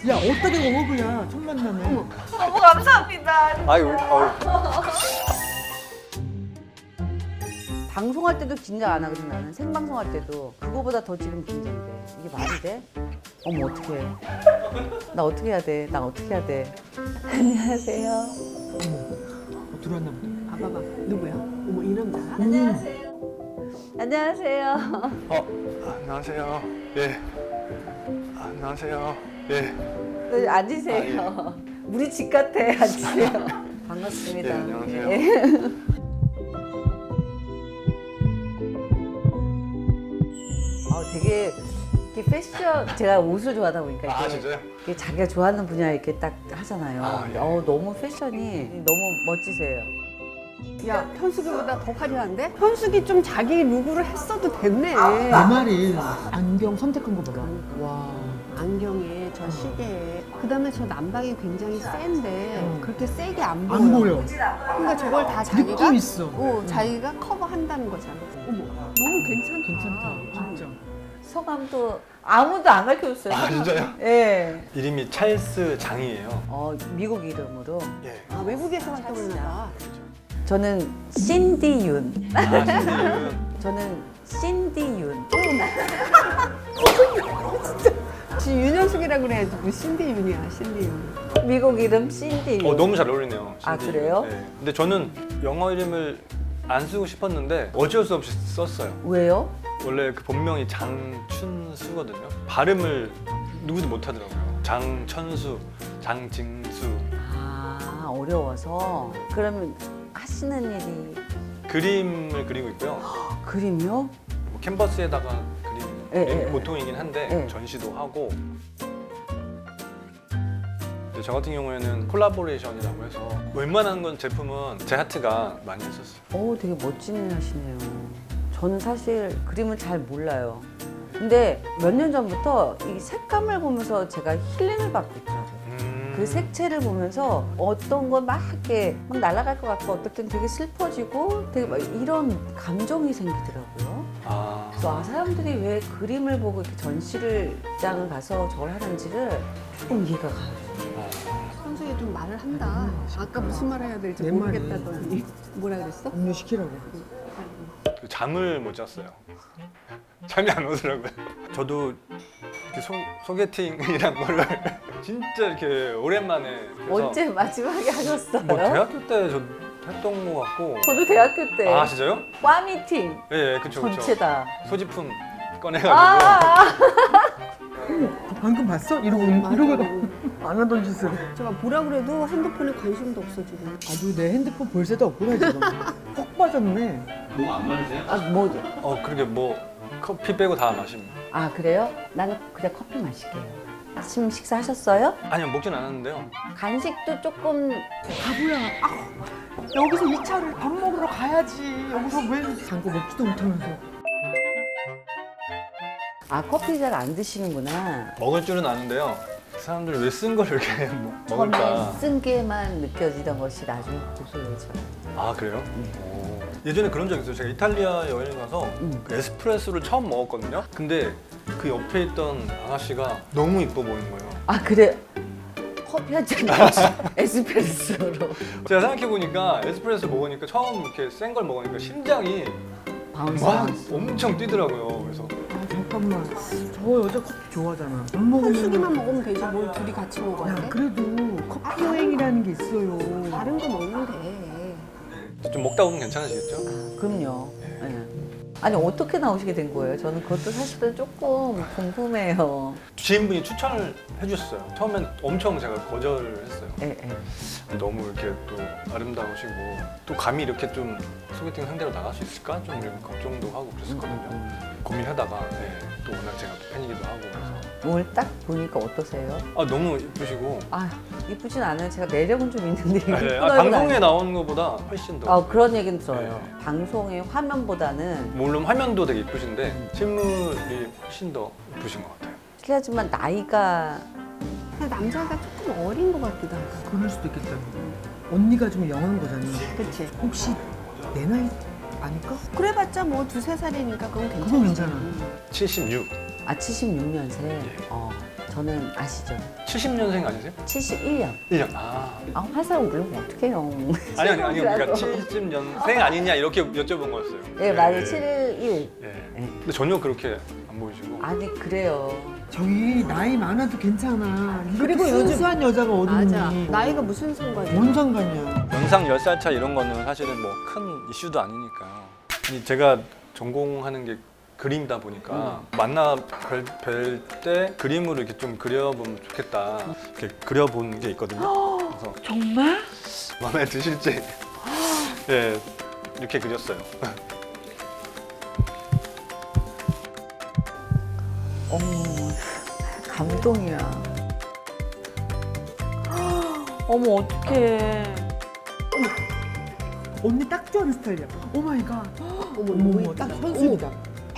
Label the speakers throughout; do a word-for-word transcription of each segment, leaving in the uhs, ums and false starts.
Speaker 1: 야 어떻게 워그야 첫 만남에.
Speaker 2: 너무 감사합니다.
Speaker 3: 아유, 아유.
Speaker 2: 방송할 때도 긴장 안 하거든 나는. 생방송할 때도 그거보다 더 지금 긴장돼. 이게 말이 돼? 어머 어떡해. 나 어떻게 해야 돼? 나 어떻게 해야 돼? 안녕하세요.
Speaker 1: 어, 들어왔나 보다.
Speaker 4: 아, 봐봐. 누구야? 어머, 이 남자.
Speaker 2: 안녕하세요.
Speaker 3: 어, 안녕하세요. 예. 안녕하세요. 예.
Speaker 2: 네, 앉으세요. 우리 집 같아. 앉으세요. 반갑습니다.
Speaker 3: 예, 안녕하세요.
Speaker 2: 예. 어, 되게 이렇게 패션, 제가 옷을 좋아하다 보니까
Speaker 3: 아,
Speaker 2: 이렇게
Speaker 3: 진짜요?
Speaker 2: 이렇게 자기가 좋아하는 분야 이렇게 딱 하잖아요.
Speaker 3: 아,
Speaker 2: 근데
Speaker 3: 예.
Speaker 2: 어, 너무 패션이 너무 멋지세요.
Speaker 4: 야, 현숙이보다 더 화려한데? 현숙이 좀 자기 룩으로 했어도 됐네.
Speaker 1: 내 말이 안경 선택한 거 봐봐. 와.
Speaker 4: 안경에 저 시계에 그다음에 저 남방이 굉장히 센데 그렇게 세게 안 보여.
Speaker 1: 안 보여.
Speaker 4: 그러니까 저걸 다 자기가
Speaker 1: 느낌 있어.
Speaker 4: 어, 자기가 커버한다는 거잖아. 어머, 너무 괜찮다.
Speaker 1: 괜찮다. 진짜.
Speaker 2: 성함도 아무도 안 가르쳐줬어요.
Speaker 3: 아, 진짜요?
Speaker 2: 예.
Speaker 3: 이름이 찰스 장이에요.
Speaker 2: 어, 미국 이름으로.
Speaker 3: 예.
Speaker 4: 아, 외국에서 활동했나 봐.
Speaker 2: 저는 신디 윤.
Speaker 3: 아, 신디은.
Speaker 2: 저는 신디 윤.
Speaker 4: 지금 윤현숙이라고 그래야지 뭐 신디 윤이야, 신디 윤.
Speaker 2: 미국 이름 신디 윤.
Speaker 3: 어, 너무 잘 어울리네요.
Speaker 2: 아,
Speaker 3: 신디은.
Speaker 2: 그래요?
Speaker 3: 네. 근데 저는 영어 이름을 안 쓰고 싶었는데 어쩔 수 없이 썼어요.
Speaker 2: 왜요?
Speaker 3: 원래 그 본명이 장춘수거든요. 발음을 누구도 못 하더라고요. 장천수, 장징수.
Speaker 2: 아, 어려워서. 그러면 하시는 일이
Speaker 3: 그림을 그리고 있고요.
Speaker 2: 그림이요?
Speaker 3: 뭐 캔버스에다가 그림
Speaker 2: 예, 예, 예.
Speaker 3: 보통이긴 한데
Speaker 2: 예.
Speaker 3: 전시도 하고. 근데 저 같은 경우에는 콜라보레이션이라고 해서 웬만한 건 제품은 제 하트가 많이 했었어요.
Speaker 2: 오, 되게 멋진 일 하시네요. 저는 사실 그림을 잘 몰라요. 근데 몇 년 전부터 이 색감을 보면서 제가 힐링을 받고 있더라고요.
Speaker 3: 음.
Speaker 2: 그 색채를 보면서 어떤 건 막 이렇게 막 날아갈 것 같고 어떨 땐 되게 슬퍼지고 되게 막 이런 감정이 생기더라고요.
Speaker 3: 아.
Speaker 2: 그래서 아, 사람들이 왜 그림을 보고 이렇게 전시를 장을 가서 저걸 하는지를 조금 이해가 가요.
Speaker 4: 현숙이 좀 말을 한다. 아까 무슨 말 해야 될지
Speaker 1: 내 말이.
Speaker 4: 모르겠다더니 뭐라 그랬어?
Speaker 1: 음료 시키라고.
Speaker 3: 그 잠을 못 잤어요. 잠이 안 오더라고요. 저도 이렇게 소, 소개팅이란 거를 진짜 이렇게 오랜만에 해서
Speaker 2: 언제 마지막에 하셨어요?
Speaker 3: 뭐 대학교 때 저 했던 거 같고.
Speaker 2: 저도 대학교 때
Speaker 3: 아 진짜요?
Speaker 2: 과 미팅
Speaker 3: 예, 예, 그쵸 그쵸.
Speaker 2: 전체 다.
Speaker 3: 소지품 꺼내가지고.
Speaker 2: 아,
Speaker 1: 방금 봤어? 이러고
Speaker 4: 맞아.
Speaker 1: 이러고 안 하던 짓을.
Speaker 4: 제가 뭐라 그래도 핸드폰에 관심도 없어 지금.
Speaker 1: 아주 내 핸드폰 볼 새도 없구나 지금. 푹 빠졌네.
Speaker 2: 아 뭐?
Speaker 3: 어 그러게 뭐 커피 빼고 다 마십니다.
Speaker 2: 아 그래요? 나는 그냥 커피 마실게요. 아침 식사하셨어요?
Speaker 3: 아니요 먹진 않았는데요.
Speaker 2: 간식도 조금
Speaker 1: 바보야. 아, 여기서 이 차를 밥 먹으러 가야지. 여기서 왜 잠깐 먹지도 못하면서.
Speaker 2: 아 커피 잘 안 드시는구나.
Speaker 3: 먹을 줄은 아는데요. 그 사람들이 왜 쓴 걸 이렇게 먹-
Speaker 2: 처음에
Speaker 3: 먹을까?
Speaker 2: 쓴 게만 느껴지던 것이 나중에 고소해져요.
Speaker 3: 아 그래요? 오. 예전에 그런 적 있어요. 제가 이탈리아 여행 가서
Speaker 2: 음.
Speaker 3: 그 에스프레소를 처음 먹었거든요. 근데 그 옆에 있던 아가씨가 너무 이뻐 보이는 거예요.
Speaker 2: 아 그래? 커피 한 잔 마시 에스프레소로.
Speaker 3: 제가 생각해 보니까 에스프레소 먹으니까 처음 이렇게 센 걸 먹으니까 심장이
Speaker 2: 바운스.
Speaker 3: 막 엄청 뛰더라고요. 그래서
Speaker 1: 아 잠깐만. 저 여자 커피 좋아하잖아. 안 먹으면.
Speaker 4: 현숙이만 먹으면 되지 뭘 둘이 같이 먹어야
Speaker 1: 야
Speaker 4: 돼?
Speaker 1: 그래도 커피 여행이라는 게 있어요.
Speaker 4: 다른 거 먹으면 돼.
Speaker 3: 좀 먹다 보면 괜찮아지겠죠?
Speaker 2: 아, 그럼요. 예. 아니 어떻게 나오시게 된 거예요? 저는 그것도 사실은 조금 궁금해요.
Speaker 3: 지인분이 추천을 해주셨어요. 처음엔 엄청 제가 거절을 했어요.
Speaker 2: 예, 예.
Speaker 3: 너무 이렇게 또 아름다우시고 또 감히 이렇게 좀 소개팅 상대로 나갈 수 있을까? 좀 이런 걱정도 하고 그랬었거든요. 고민하다가 네, 또 워낙 제가 또 팬이기도 하고 그래서
Speaker 2: 오늘 딱 보니까 어떠세요?
Speaker 3: 아 너무 이쁘시고
Speaker 2: 아 이쁘진 않아요. 제가 매력은 좀 있는데
Speaker 3: 네, 아,
Speaker 2: 이쁘다고는
Speaker 3: 방송에
Speaker 2: 아니에요.
Speaker 3: 나오는 것보다 훨씬 더
Speaker 2: 아 그런 얘기는 들어요.
Speaker 3: 네.
Speaker 2: 방송의 화면보다는
Speaker 3: 물론 화면도 되게 이쁘신데 실물이 훨씬 더 이쁘신 것 같아요.
Speaker 2: 실례지만 나이가
Speaker 4: 근데 남자가 조금 어린 것 같기도 하고.
Speaker 1: 그럴 수도 있겠다. 언니가 좀 영한 거잖아.
Speaker 4: 그치?
Speaker 1: 혹시 내 나이 아닐까?
Speaker 4: 그래봤자 뭐 두세 살이니까 그건 괜찮아.
Speaker 1: 그건 괜찮아.
Speaker 3: 칠십육.
Speaker 2: 아 칠십육 년생.
Speaker 3: 예.
Speaker 2: 어 저는 아시죠?
Speaker 3: 칠십 년생 아니세요?
Speaker 2: 칠십일 년.
Speaker 3: 일 년. 아.
Speaker 2: 아, 화사를 물으면 어떡해요.
Speaker 3: 아니 아니 아니 그러니까 칠십 년생 아니냐 이렇게 여쭤본 거였어요.
Speaker 2: 네, 맞아요. 칠십일.
Speaker 3: 예.
Speaker 2: 네.
Speaker 3: 근데 전혀 그렇게 안 보이시고.
Speaker 2: 아니, 그래요.
Speaker 1: 저희 나이 많아도 괜찮아.
Speaker 4: 그리고
Speaker 1: 그리고
Speaker 4: 요즘-
Speaker 1: 순수한 여자가 어딨니?
Speaker 4: 맞아. 나이가 무슨 상관이야?
Speaker 1: 뭔 상관이야.
Speaker 3: 연상 열 살 차 이런 거는 사실은 뭐 큰 이슈도 아니니까요. 아니, 제가 전공하는 게 그림이다 보니까 만나 뵐 때 그림으로 이렇게 좀 그려보면 좋겠다. 이렇게 그려본 게 있거든요. 그래서
Speaker 2: 정말?
Speaker 3: 마음에 드실지 예 이렇게 그렸어요.
Speaker 2: 어머, 감동이야. 어머, 어떡해.
Speaker 1: 언니 딱 좋아하는 스타일이야. 오 마이 갓.
Speaker 4: 어머,
Speaker 1: 어머,
Speaker 4: 뭐
Speaker 1: 어머,
Speaker 4: 있다.
Speaker 1: 딱 선수이다.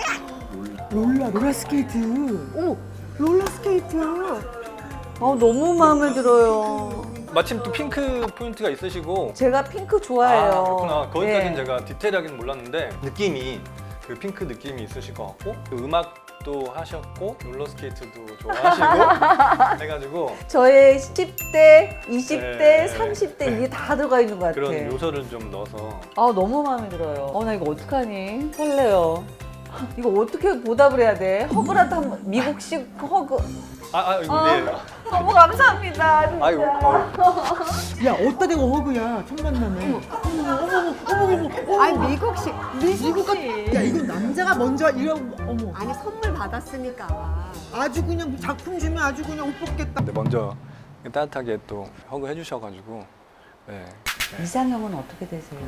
Speaker 1: 롤라, 롤라 스케이트.
Speaker 4: 어머,
Speaker 1: 롤라 스케이트.
Speaker 2: 아, 너무 마음에 들어요.
Speaker 3: 마침 또 핑크 포인트가 있으시고
Speaker 2: 제가 핑크 좋아해요.
Speaker 3: 아, 그렇구나. 거기까지는
Speaker 2: 네.
Speaker 3: 제가 디테일하게는 몰랐는데 느낌이 그 핑크 느낌이 있으실 것 같고 또 음악도 하셨고 롤러스케이트도 좋아하시고 해가지고
Speaker 2: 저의 십 대, 이십 대,
Speaker 3: 네.
Speaker 2: 삼십 대 이게 다 들어가 있는 것 같아.
Speaker 3: 그런 요소를 좀 넣어서
Speaker 2: 아, 너무 마음에 들어요. 어, 나 이거 어떡하니? 설레요. 이거 어떻게 보답을 해야 돼? 허그라도 한번 미국식 허그.
Speaker 3: 아, 아 이거
Speaker 2: 아.
Speaker 3: 예.
Speaker 2: 너무 감사합니다. 진짜.
Speaker 3: 아이고 어,
Speaker 1: 야, 어디다 대고 허그야. 첫 만남에. 어머, 어머, 어머, 어머, 어머.
Speaker 4: 아니 미국식 미국
Speaker 1: 야, 이거 남자가 먼저 이러고, 어머.
Speaker 4: 아니 선물 받았으니까.
Speaker 1: 아주 그냥 작품 주면 아주 그냥 옷 벗겠다.
Speaker 3: 근데 먼저 따뜻하게 또 허그 해주셔가지고 네.
Speaker 2: 이상형은 어떻게 되세요?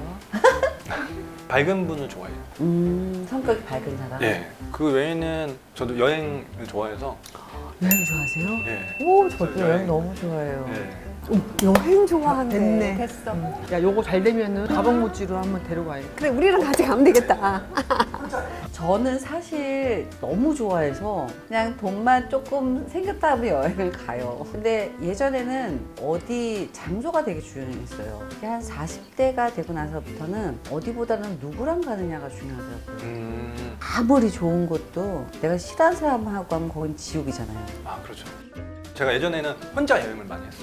Speaker 3: 밝은 분을 좋아해요.
Speaker 2: 음, 성격이 밝은 사람.
Speaker 3: 예. 그 외에는 저도 여행을 좋아해서
Speaker 2: 여행 좋아하세요?
Speaker 3: 예.
Speaker 2: 오, 저도
Speaker 3: 여행.
Speaker 2: 여행 너무 좋아해요.
Speaker 3: 예.
Speaker 4: 여행 좋아한대.
Speaker 1: 됐네.
Speaker 4: 됐어.
Speaker 1: 야, 요거 잘 되면은 가방 모찌로 한번 데려가야겠다.
Speaker 4: 그래 우리랑 같이 가면 되겠다.
Speaker 2: 저는 사실 너무 좋아해서 그냥 돈만 조금 생겼다 하면 여행을 가요. 근데 예전에는 어디 장소가 되게 중요했어요. 한 사십 대가 되고 나서부터는 어디보다는 누구랑 가느냐가 중요하더라고요.
Speaker 3: 음.
Speaker 2: 아무리 좋은 곳도 내가 싫어하는 사람하고 하면 거긴 지옥이잖아요.
Speaker 3: 아 그렇죠. 제가 예전에는 혼자 여행을 많이 했어요.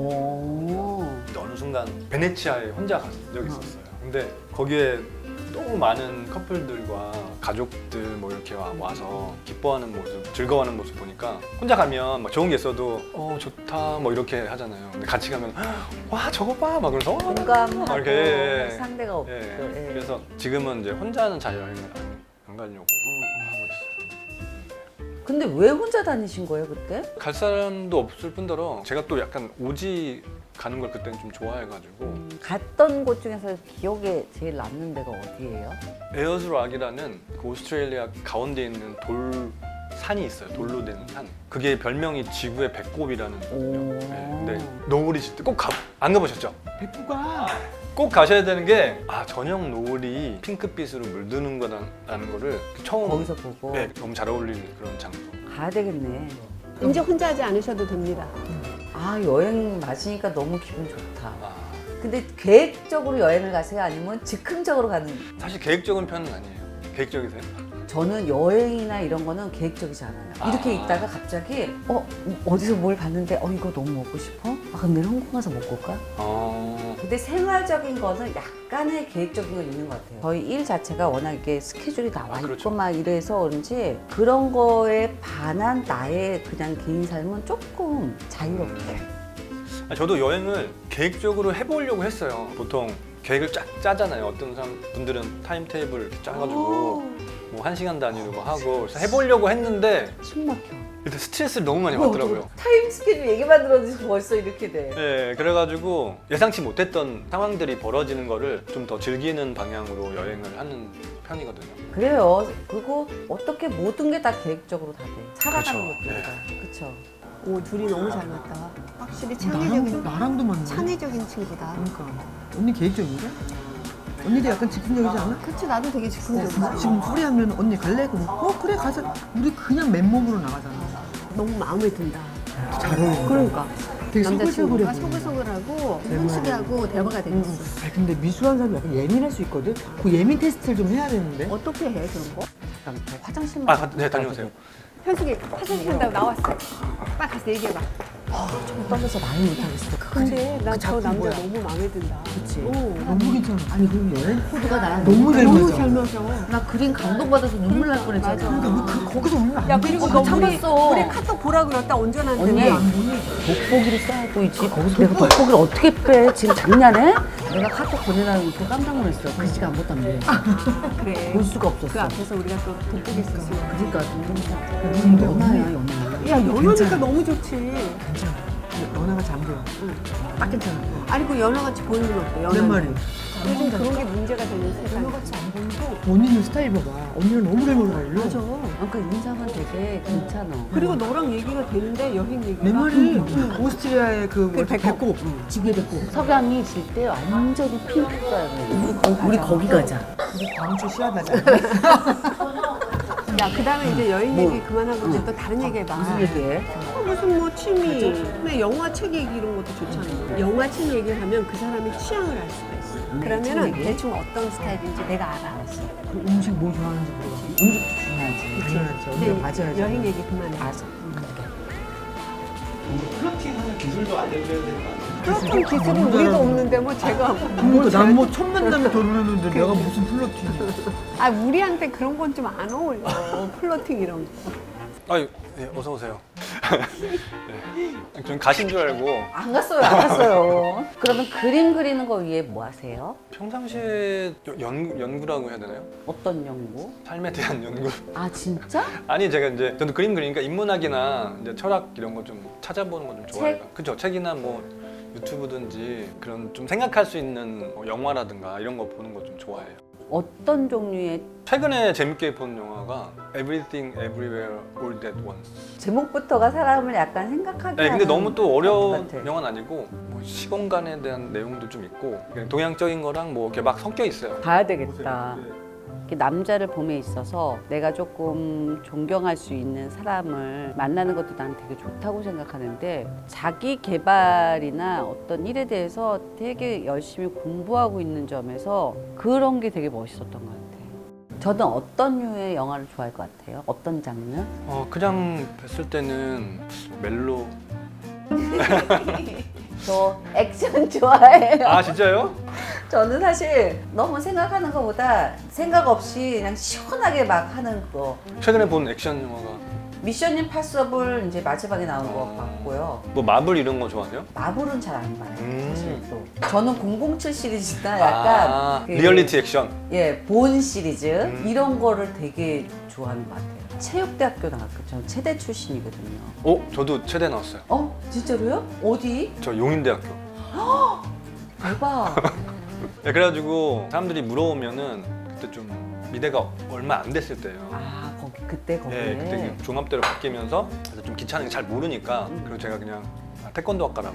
Speaker 2: 오.
Speaker 3: 근데 어느 순간 베네치아에 혼자 간 적이 있었어요. 근데 거기에 너무 많은 커플들과 가족들 뭐 이렇게 와, 와서 기뻐하는 모습, 즐거워하는 모습 보니까 혼자 가면 막 좋은 게 있어도 어 좋다 뭐 이렇게 하잖아요. 근데 같이 가면 와 저거 봐 막 그러면서 어,
Speaker 2: 공감하고
Speaker 3: 이렇게, 예, 예.
Speaker 2: 상대가 없죠.
Speaker 3: 예.
Speaker 2: 예.
Speaker 3: 그래서 지금은 이제 혼자는 잘 여행을 안, 안 가려고
Speaker 2: 어.
Speaker 3: 하고 있어요.
Speaker 2: 근데 왜 혼자 다니신 거예요 그때?
Speaker 3: 갈 사람도 없을 뿐더러 제가 또 약간 오지 가는 걸 그때는 좀 좋아해가지고
Speaker 2: 갔던 곳 중에서 기억에 제일 남는 데가 어디예요?
Speaker 3: 에어즈락이라는 그 오스트레일리아 가운데 있는 돌 산이 있어요. 돌로 된 산. 그게 별명이 지구의 배꼽이라는 거거든요. 네, 근데 노을이 질 때 꼭 안 가보셨죠?
Speaker 1: 백구가
Speaker 3: 꼭 가셔야 되는 게 아 저녁 노을이 핑크빛으로 물드는 거라는 거를 처음
Speaker 2: 거기서 보고
Speaker 3: 네, 너무 잘 어울리는 그런 장소.
Speaker 2: 가야 되겠네.
Speaker 4: 이제 혼자 하지 않으셔도 됩니다.
Speaker 2: 아, 여행 맞으니까 너무 기분 좋다.
Speaker 3: 아,
Speaker 2: 근데 계획적으로 여행을 가세요? 아니면 즉흥적으로 가는?
Speaker 3: 사실 계획적인 편은 아니에요. 계획적이세요?
Speaker 2: 저는 여행이나 이런 거는 계획적이지 않아요. 이렇게
Speaker 3: 아.
Speaker 2: 있다가 갑자기 어 어디서 뭘 봤는데 어 이거 너무 먹고 싶어? 아 그럼 내일 홍콩 가서 먹고 올까?
Speaker 3: 어...
Speaker 2: 근데 생활적인 거는 약간의 계획적인 건 있는 것 같아요. 저희 일 자체가 워낙 이게 스케줄이 나와
Speaker 3: 아,
Speaker 2: 있고
Speaker 3: 그렇죠.
Speaker 2: 막 이래서 그런지 그런 거에 반한 나의 그냥 개인 삶은 조금 자유롭게.
Speaker 3: 아, 저도 여행을 계획적으로 해보려고 했어요. 보통 계획을 쫙 짜잖아요. 어떤 사람 분들은 타임 테이블 이렇게 짜가지고 뭐 한 시간 단위로 뭐 하고 그래서 해보려고 했는데
Speaker 2: 숨 막혀.
Speaker 3: 일단 스트레스를 너무 많이 받더라고요.
Speaker 2: 타임 스케줄 얘기만 들어도 벌써 이렇게 돼.
Speaker 3: 네, 그래가지고 예상치 못했던 상황들이 벌어지는 거를 좀 더 즐기는 방향으로 여행을 하는 편이거든요.
Speaker 2: 그래요. 그리고 어떻게 모든 게 다 계획적으로 다 돼. 살아가는
Speaker 3: 그렇죠.
Speaker 2: 것들이 다. 그렇죠.
Speaker 4: 오 둘이 너무 잘 맞다. 확실히
Speaker 1: 나랑,
Speaker 4: 창의적인
Speaker 1: 나랑도 맞네.
Speaker 4: 창의적인 친구다.
Speaker 1: 그러니까. 언니 계획적인데? 언니도 약간 즉흥적이지 않아?
Speaker 4: 그치 나도 되게 즉흥적이야.
Speaker 1: 지금 소리하면 언니 갈래? 그럼 어 그래 가자. 우리 그냥 맨몸으로 나가잖아.
Speaker 4: 너무 마음에 든다.
Speaker 1: 잘 어울려.
Speaker 4: 그러니까
Speaker 1: 되게
Speaker 4: 남자친구가
Speaker 1: 소글소글해.
Speaker 4: 소글소글하고 현숙이하고 대화가 되겠어.
Speaker 1: 아 근데 미술하는 사람이 약간 예민할 수 있거든. 그 예민 테스트를 좀 해야 되는데.
Speaker 4: 어떻게 해 그런 거?
Speaker 2: 잠깐 저 화장실만.
Speaker 3: 아, 네, 다녀오세요.
Speaker 4: 현숙이 화장실 간다고 나왔어. 빨리 가자. 알았어, 얘기해봐.
Speaker 2: 좀 떨려서 말을 못하겠어.
Speaker 4: 근데 나 저
Speaker 1: 작품
Speaker 4: 남자
Speaker 1: 뭐야?
Speaker 4: 너무 마음에 든다.
Speaker 2: 그치?
Speaker 4: 오.
Speaker 1: 너무 괜찮아.
Speaker 2: 아니 그럼 여행 코드가 나랑
Speaker 1: 너무 잘
Speaker 4: 너무
Speaker 1: 맞아.
Speaker 4: 잘 맞아.
Speaker 2: 나 그림 감동받아서 눈물 날 뻔했잖아.
Speaker 4: 맞아.
Speaker 1: 그러니까 왜 그, 거기서 울면 안
Speaker 4: 야,
Speaker 1: 돼?
Speaker 4: 그리고
Speaker 2: 어,
Speaker 4: 너
Speaker 2: 참
Speaker 4: 우리,
Speaker 2: 봤어.
Speaker 4: 우리 카톡 보라 그랬다, 온전한테.
Speaker 2: 언니.
Speaker 4: 왜?
Speaker 1: 안 보니?
Speaker 2: 돋보기를 써야 보이지. 거기서 내가 돋보기를 어떻게 빼? 지금 장난해? 내가 카톡 보내라고 또 깜짝 놀랐어. 글씨가 아무것도 안 돼.
Speaker 4: 그래.
Speaker 2: 볼 수가 없었어.
Speaker 4: 그 앞에서 우리가 또 돋보기 썼으면.
Speaker 2: 그러니까 동영상.
Speaker 1: 근데
Speaker 2: 연하야
Speaker 1: 언니,
Speaker 2: 연하.
Speaker 4: 야, 연하니까
Speaker 1: 괜찮아.
Speaker 4: 너무 좋지.
Speaker 1: 괜찮아. 연하가 잠겨. 딱 괜찮아.
Speaker 4: 아니, 그 연하같이 보이는 건 어때?
Speaker 1: 내
Speaker 4: 연하는.
Speaker 1: 말이.
Speaker 4: 요즘 그런 게 문제가 되는 세상.
Speaker 1: 연하같이 안 보이고 언니는 스타일 봐봐. 언니는 너무 잘 몰라요.
Speaker 4: 맞아.
Speaker 2: 그러니까 인상은 되게 괜찮아.
Speaker 4: 그리고 너랑 얘기가 되는데 여행 얘기가.
Speaker 1: 내 말이 오스트리아의 그
Speaker 4: 그
Speaker 1: 뭐지?
Speaker 4: 배꼽.
Speaker 1: 배꼽.
Speaker 2: 지게 됐고 석양이 질 때 완전히 핑크가요. 우리, 거, 우리 거기 가자.
Speaker 1: 우리 다음 주 시합하자.
Speaker 4: 야, 그 다음에 이제 여행
Speaker 2: 뭐.
Speaker 4: 얘기 그만하고 이제 또 다른 얘기 해봐.
Speaker 2: 무슨 얘기해?
Speaker 4: 무슨 뭐 취미, 근데 영화, 책 얘기 이런 것도 좋잖아. 영화, 책 얘기를 하면 그 사람의 취향을 알 수가 있어.
Speaker 2: 음,
Speaker 4: 그러면은
Speaker 2: 책 얘기?
Speaker 4: 대충 어떤 스타일인지 내가 알아.
Speaker 1: 그 음식 뭐 좋아하는지 물어봐.
Speaker 2: 음식도 중요하지.
Speaker 1: 당연하지.
Speaker 4: 근데
Speaker 1: 언니가 맞아야지.
Speaker 4: 여행 얘기 그만해.
Speaker 2: 알았어.
Speaker 3: 플러팅하는 기술도 알려줘야 되는 거 아니에요?
Speaker 4: 플러팅 기술은 우리도 없는데 뭐 제가
Speaker 1: 그러니까 난 뭐 첫 만남에 결혼했는데 내가 무슨 플러팅이야.
Speaker 4: 아, 우리한테 그런 건 좀 안 어울려. 플러팅 이런 거.
Speaker 3: 아유, 네, 어서 오세요. 네. 전 가신 줄 알고
Speaker 2: 안 갔어요, 안 갔어요. 그러면 그림 그리는 거 위해 뭐 하세요?
Speaker 3: 평상시에 여- 연, 연구라고 해야 되나요?
Speaker 2: 어떤 연구?
Speaker 3: 삶에 대한 연구?
Speaker 2: 아 진짜?
Speaker 3: 아니 제가 이제 저도 그림 그리니까 인문학이나 이제 철학 이런 거 좀 찾아보는 거 좀 좋아해요. 그죠? 책이나 뭐 유튜브든지 그런 좀 생각할 수 있는 뭐 영화라든가 이런 거 보는 거 좀 좋아해요.
Speaker 2: 어떤 종류의
Speaker 3: 최근에 재밌게 본 영화가 Everything Everywhere All at Once.
Speaker 2: 제목부터가 사람을 약간 생각하게
Speaker 3: 네, 근데
Speaker 2: 하는
Speaker 3: 너무 또 어려운
Speaker 2: 것 같아.
Speaker 3: 영화는 아니고 뭐 시공간에 대한 내용도 좀 있고 그냥 동양적인 거랑 뭐 이렇게 막 섞여 있어요.
Speaker 2: 봐야 되겠다.
Speaker 3: 네.
Speaker 2: 이렇게 남자를 봄에 있어서 내가 조금 존경할 수 있는 사람을 만나는 것도 난 되게 좋다고 생각하는데 자기 개발이나 어떤 일에 대해서 되게 열심히 공부하고 있는 점에서 그런 게 되게 멋있었던 것 같아요. 저는 어떤 류의 영화를 좋아할 것 같아요? 어떤 장르?
Speaker 3: 어 그냥 뵀을 때는 멜로.
Speaker 2: 저 액션 좋아해요.
Speaker 3: 아 진짜요?
Speaker 2: 저는 사실 너무 생각하는 것보다 생각 없이 그냥 시원하게 막 하는 거.
Speaker 3: 최근에 본 액션 영화가
Speaker 2: 미션 임파서블 이제 마지막에 나온 거
Speaker 3: 아.
Speaker 2: 봤고요.
Speaker 3: 뭐 마블 이런 거 좋아하세요?
Speaker 2: 마블은 잘 안 봐요.
Speaker 3: 음.
Speaker 2: 사실 또. 저는 공공칠 시리즈나 약간
Speaker 3: 아,
Speaker 2: 그,
Speaker 3: 리얼리티 액션.
Speaker 2: 예, 본 시리즈
Speaker 3: 음.
Speaker 2: 이런 거를 되게 좋아하는 것 같아요. 체육대학교 나왔고 저는 체대 출신이거든요.
Speaker 3: 어 저도 체대 나왔어요.
Speaker 2: 어? 진짜로요? 어디?
Speaker 3: 저 용인대학교.
Speaker 2: 대박.
Speaker 3: 네, 그래가지고 사람들이 물어보면은 그때 좀 미대가 얼마 안 됐을 때예요.
Speaker 2: 아, 거기 그때 거기에.
Speaker 3: 예, 그때 그 종합대로 바뀌면서 그래서 좀 귀찮은 게 잘 모르니까 그리고 제가 그냥 아, 태권도 학과라고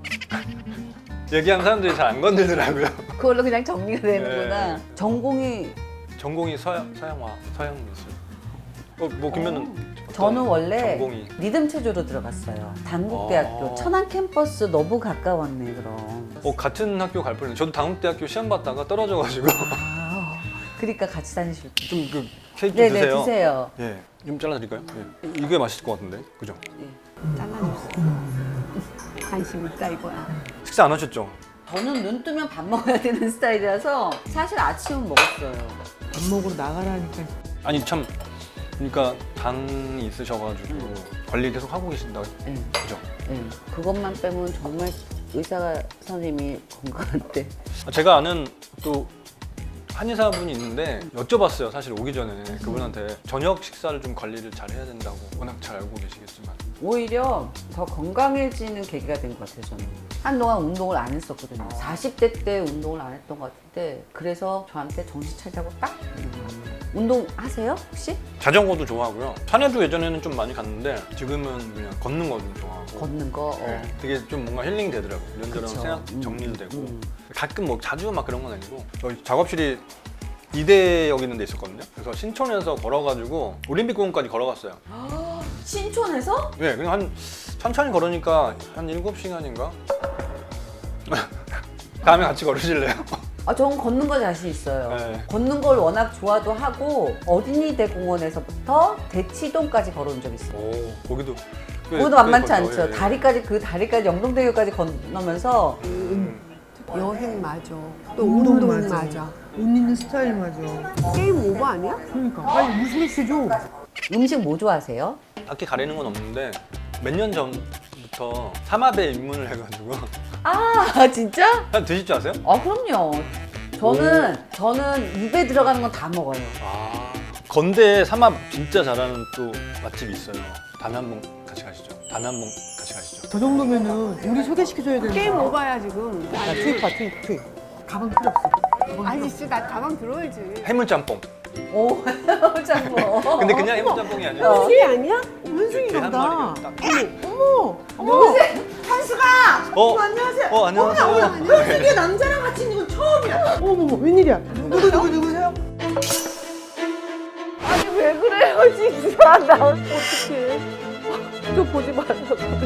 Speaker 3: 얘기하면 사람들이 잘 안 건들더라고요.
Speaker 2: 그걸로 그냥 정리가 되는구나.
Speaker 3: 네.
Speaker 2: 전공이
Speaker 3: 전공이 서양 서양화 서양 미술. 어, 뭐 그러면은 어떤
Speaker 2: 저는 원래
Speaker 3: 전공이
Speaker 2: 리듬 체조로 들어갔어요. 단국대학교
Speaker 3: 아.
Speaker 2: 천안 캠퍼스 너무 가까웠네 그럼.
Speaker 3: 어 같은 학교 갈 뻔했는데 저도 당국대학교 시험 봤다가 떨어져가지고
Speaker 2: 아, 그러니까 같이 다니실 때.
Speaker 3: 좀 그 케이크 좀
Speaker 2: 네네
Speaker 3: 드세요.
Speaker 2: 드세요.
Speaker 3: 예, 좀 잘라드릴까요? 예. 이게 맛있을 것 같은데, 그죠?
Speaker 4: 잘라줬어. 관심 있다 이거야.
Speaker 3: 식사 안 하셨죠?
Speaker 2: 저는 눈 뜨면 밥 먹어야 되는 스타일이라서 사실 아침은 먹었어요.
Speaker 1: 밥 먹으러 나가라니까.
Speaker 3: 아니 참, 그러니까 당이 있으셔가지고 관리 계속 하고 계신다,
Speaker 2: 네,
Speaker 3: 그죠?
Speaker 2: 네. 그것만 빼면 정말 의사 선생님이 건강한데.
Speaker 3: 아, 제가 아는 또 한의사분이 있는데 여쭤봤어요. 사실 오기 전에 그분한테 저녁 식사를 좀 관리를 잘 해야 된다고 워낙 잘 알고 계시겠지만
Speaker 2: 오히려 더 건강해지는 계기가 된 것 같아요, 저는. 한동안 운동을 안 했었거든요. 사십 대 때 운동을 안 했던 것 같은데 그래서 저한테 정신 차리자고 딱 있는 것 같아요. 운동 하세요, 혹시?
Speaker 3: 자전거도 좋아하고요. 산에도 예전에는 좀 많이 갔는데 지금은 그냥 걷는 거 좀 좋아하고
Speaker 2: 걷는 거. 어.
Speaker 3: 네, 되게 좀 뭔가 힐링 되더라고요. 이런저런
Speaker 2: 그쵸.
Speaker 3: 생각
Speaker 2: 음,
Speaker 3: 정리도 되고
Speaker 2: 음.
Speaker 3: 가끔 뭐 자주 막 그런 건 아니고 저희 작업실이 이대역 있는 데 있었거든요. 그래서 신촌에서 걸어가지고 올림픽공원까지 걸어갔어요.
Speaker 2: 신촌에서?
Speaker 3: 네, 그냥 한 천천히 걸으니까 한 일곱 시간인가? 다음에 같이 걸으실래요?
Speaker 2: 아, 저는 걷는 거 자신 있어요.
Speaker 3: 네.
Speaker 2: 걷는 걸 워낙 좋아도 하고 어린이대 공원에서부터 대치동까지 걸어온 적 있어요.
Speaker 3: 오, 거기도 꽤-
Speaker 2: 그것도
Speaker 3: 꽤
Speaker 2: 만만치
Speaker 3: 걷다,
Speaker 2: 않죠.
Speaker 3: 예, 예.
Speaker 2: 다리까지 그 다리까지 영동대교까지 건너면서
Speaker 3: 음.
Speaker 4: 여행 맞아. 또
Speaker 1: 운동
Speaker 4: 운동,
Speaker 1: 맞아.
Speaker 4: 맞아.
Speaker 1: 옷 입는 스타일 맞아.
Speaker 4: 게임 오버 아니야?
Speaker 1: 그러니까 빨리 무술 시켜줘.
Speaker 2: 음식 뭐 좋아하세요?
Speaker 3: 딱히 가리는 건 없는데 몇 년 전부터 삼합에 입문을 해가지고
Speaker 2: 아 진짜?
Speaker 3: 한 드실 줄 아세요?
Speaker 2: 아 그럼요. 저는 저는 입에 들어가는 건 다 먹어요.
Speaker 3: 아 건대에 삼합 진짜 잘하는 또 맛집이 있어요. 다음에 한번 같이 가시죠. 다음에 한번 같이 가시죠.
Speaker 1: 저 정도면은 우리 소개시켜줘야 되는
Speaker 4: 게임 오버야 지금.
Speaker 1: 나 투입 봐 투입 투입. 가방 필요 없어. 가방
Speaker 4: 아니
Speaker 1: 필요
Speaker 4: 씨, 나 가방 들어야지.
Speaker 3: 해물짬뽕.
Speaker 2: 오, 참 뭐.
Speaker 3: 근데 그냥 해물짬뽕이 아니라
Speaker 2: 어.
Speaker 4: 현승이 아니야?
Speaker 1: 없어. 현승이가
Speaker 3: 이렇게 한
Speaker 1: 보다.
Speaker 3: 마리 딱.
Speaker 1: 어머. 어머. 한수가.
Speaker 3: 어,
Speaker 1: 안녕하세요.
Speaker 3: 어 안녕하세요.
Speaker 1: 현승이 남자랑 같이 있는 건 처음이야. 어머머 웬일이야. 누구 누구 누구세요?
Speaker 2: 아니 왜 그래요 진짜 나 어떡해. 저 보지 말라고.